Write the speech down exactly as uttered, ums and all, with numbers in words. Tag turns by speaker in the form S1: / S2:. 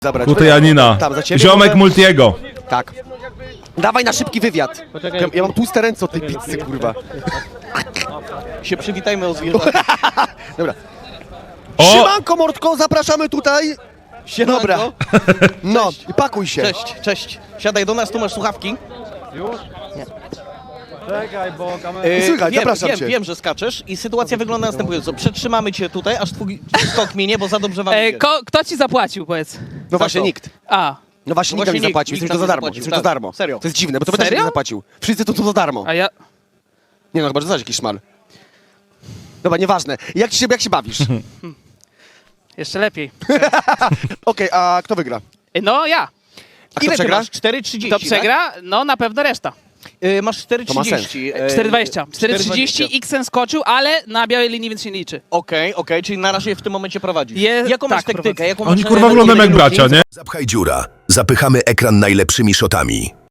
S1: Zabrać.
S2: Kutejanina.
S1: Tam, za ciebie
S2: Ziomek
S1: może?
S2: Multiego.
S1: Tak. Dawaj na szybki wywiad. Ja, ja mam tłuste ręce od tej pizzy, kurwa.
S3: Się przywitajmy o zwierzętach.
S1: Dobra.
S2: O!
S1: Siemanko, Mordko, zapraszamy tutaj.
S3: Siemanko.
S1: Dobra. No, i pakuj się.
S3: Cześć, cześć. Siadaj do nas, tu masz słuchawki.
S4: Czekaj, bo kamera...
S3: Yy,
S1: Słuchaj,
S3: wiem,
S1: zapraszam
S3: wiem,
S1: cię.
S3: wiem, że skaczesz i sytuacja wygląda następująco. Przetrzymamy cię tutaj, aż twój skok minie, bo za dobrze wam
S5: E,
S3: idzie.
S5: ko, kto ci zapłacił, powiedz?
S1: No właśnie
S3: to?
S1: nikt.
S5: A,
S1: No właśnie,
S3: No
S1: nikt nam
S3: właśnie
S1: nie
S3: nikt,
S1: zapłacił,
S3: nikt
S1: jesteśmy to
S3: nam
S1: za
S3: nie
S1: darmo.
S3: zapłacił,
S1: Jesteśmy to
S3: tak.
S1: za darmo.
S3: Serio.
S1: To jest dziwne, bo to też
S5: Serio?
S1: nikt nie zapłacił. Wszyscy to, to za darmo.
S5: a ja...
S1: Nie no, chyba, że znasz jakiś szmal. Dobra, nieważne. Jak ci się, jak się bawisz?
S5: Jeszcze lepiej.
S1: Okej, a kto wygra?
S5: E, No ja.
S1: A kto
S3: Ile ty
S1: przegra?
S3: masz? cztery trzydzieści,
S5: Kto przegra? No na pewno reszta.
S3: Tak? Yy, masz cztery
S1: To ma
S3: trzydzieści. Yy,
S5: cztery dwadzieścia. cztery trzydzieści,
S3: cztery dwadzieścia.
S5: X skoczył, ale na białej linii, więc się nie liczy.
S3: Okej, okej, czyli na razie w tym momencie prowadzisz.
S5: Je-
S3: Jaką masz
S5: tak,
S3: taktykę?
S5: prowadzę.
S3: Jaką
S2: Oni
S3: masz
S2: kurwa
S3: element,
S2: wyglądają jak
S3: ile
S2: bracia,
S3: minut?
S2: nie?
S6: Zapchaj dziura. Zapychamy ekran najlepszymi shotami.